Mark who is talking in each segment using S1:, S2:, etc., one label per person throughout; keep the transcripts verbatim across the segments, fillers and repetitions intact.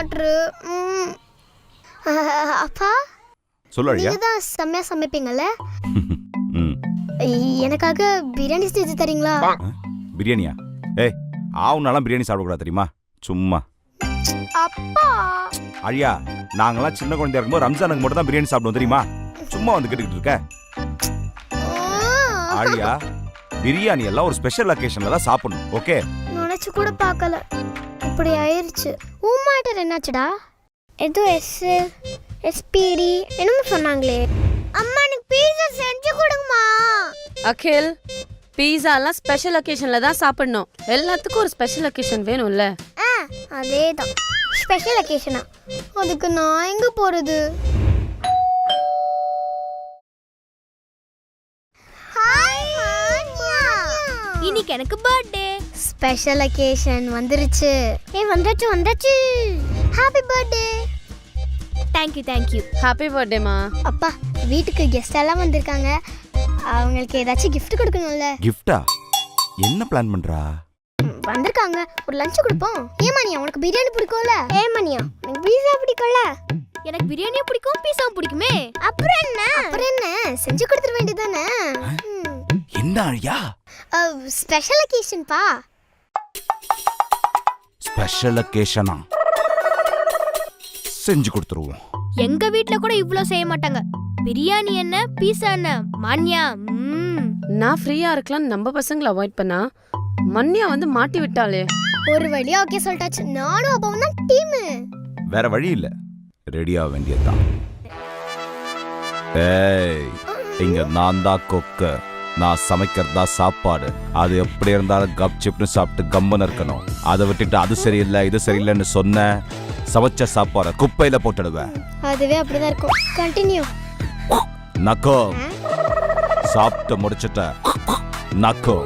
S1: Water. அப்பா
S2: சொல்லு.
S1: நீங்க தான் செம்மையா சமைப்பீங்கல்ல, எனக்காக பிரியாணி செஞ்சு தரீங்களா?
S2: பிரியாணியா? ஏய், ஆவுனாலாம் பிரியாணி சாப்பிடக்கூடாது தெரியுமா? சும்மா.
S1: அப்பா
S2: அழியா, நாங்கெல்லாம் சின்ன குழந்தையா இருக்கும்போது ரம்ஜானுக்கு மட்டும் தான் பிரியாணி சாப்பிடுவோம் தெரியுமா? சும்மா வந்து கேட்டுக்கிட்டு இருக்க. அழியா, பிரியாணி எல்லாம் ஒரு ஸ்பெஷல் அக்கேஷன்ல தான் சாப்பிடணும். ஓகே?
S1: நினைச்சு கூட பார்க்கல, இப்படி ஆயிருச்சு. ஊமாட்டர் என்னாச்சுடா? ஏதோ எஸ் எஸ்பிடி என்னமோ சொன்னாங்களே. அம்மா எனக்கு பீஸா செஞ்சு கொடுங்கம்மா.
S3: அகில், பீஸாலாம் ஸ்பெஷல் அக்கேஷன்ல தான் சாப்பிடணும். எல்லாத்துக்கும் ஒரு ஸ்பெஷல் அக்கேஷன் வேணும்ல?
S1: ஆ, அதேதான் ஸ்பெஷல் அக்கேஷனா? அதுக்கு நான் எங்க போறது? இன்னைக்கு எனக்கு பர்த்டே. ஸ்பெஷல் அக்கேஷன் வந்துருச்சு. ஏ வந்துச்சு வந்துச்சு. Happy birthday. Thank you thank you.
S3: Happy பர்த்டேமா.
S1: அப்பா, வீட்டுக்கு கெஸ்ட் எல்லாம் வந்திருக்காங்க, அவங்களுக்கு ஏதாச்சும் gift கொடுக்கணும்ல.
S2: கிஃப்டா? என்ன பிளான் பண்றா?
S1: வந்திருக்காங்க, ஒரு லஞ்ச் கொடுப்போம். ஏமானியா, உனக்கு பிரியாணி பிடிக்கும்ல? ஏமானியா, எனக்கு பீஸா பிடிக்கும்ல? எனக்கு பிரியாணியும் பிடிக்கும், பீஸாவும் பிடிக்குமே. அப்புறம் என்ன அப்புறம் என்ன செஞ்சு கொடுத்துட வேண்டியதானே.
S2: என்ன அழியா?
S1: ஸ்பெஷல் அக்கேஷன் பா.
S2: ஸ்பெஷல் அக்கேஷனா? செஞ்சு கொடுத்துருவோம்.
S1: எங்க வீட்ல கூட இவ்ளோ செய்ய மாட்டாங்க. பிரியாணி என்ன, பீஸா என்ன, மான்யா.
S3: நான் ஃப்ரீயா இருக்கலாம் நம்ம பசங்களை அவாய்ட் பண்ணா மன்னியா வந்து மாட்டி விட்டாளே.
S1: ஒரு வழியா ஓகே சொல்லிட்டாச்சு. நானும் அப்பாவும் தான் டீம்.
S2: வேற வழி இல்ல, ரெடியா வேண்டியதுதான். ஏய், இங்க நான் தான் கொக்க, நான் சமைக்கிறதா சாப்பாடு. அது எப்படி இருந்தாலும் கப் சிப்னு சாப்பிட்டு கம்மன் இருக்கணும். அதை விட்டுட்டு அது சரியில்லை இது சரியில்லைன்னு சொன்ன சமைச்ச சாப்பாட குப்பையில போட்டுடுவேன்.
S1: அதுவே அப்படிதான் இருக்கும். கண்டினியூ.
S2: நக்கோ, சாப்பிட்டு முடிச்சிட்ட நக்கோ.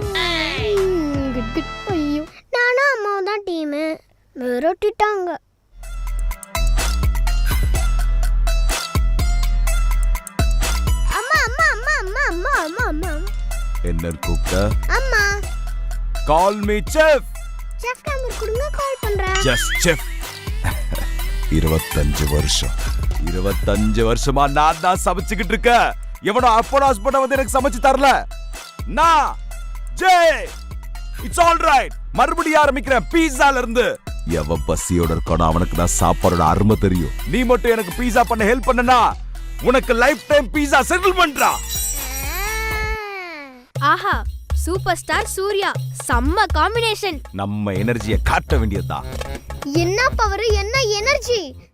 S1: ஐயோ, நானும் அம்மாவும் தான் டீம். விரட்டிட்டாங்க. அம்மா அம்மா அம்மா அம்மா அம்மா அம்மா அம்மா
S2: என்ன கூப்பிட்ட?
S1: அம்மா.
S2: Call me chef.
S1: Chef number கொடுங்க, கால் பண்றேன்.
S2: Just chef. இருபத்தஞ்சு வருஷம் இருபத்தஞ்சு வருஷமா நான் தான் சமைச்சுக்கிட்டு இருக்க. எவனோ அப்போ ஹஸ்பண்ட் வந்து எனக்கு சமைச்சு தரல. நான் ஜே, இட்ஸ் ஆல் ரைட். மறுபடியும் ஆரம்பிக்கிறேன் பீஸால இருந்து. எவன் பசியோட இருக்கானோ அவனுக்கு தான் சாப்பாடோட அருமை தெரியும். நீ மட்டும் எனக்கு பீஸா பண்ண ஹெல்ப் பண்ணனா உனக்கு லைஃப் டைம் பீஸா செட்டில் பண்றா.
S1: ஆஹா, சூப்பர் ஸ்டார் சூர்யா, செம்ம காம்பினேஷன்.
S2: நம்ம எனர்ஜியை காட்ட வேண்டியதுதான்.
S1: என்ன பவர், என்ன எனர்ஜி.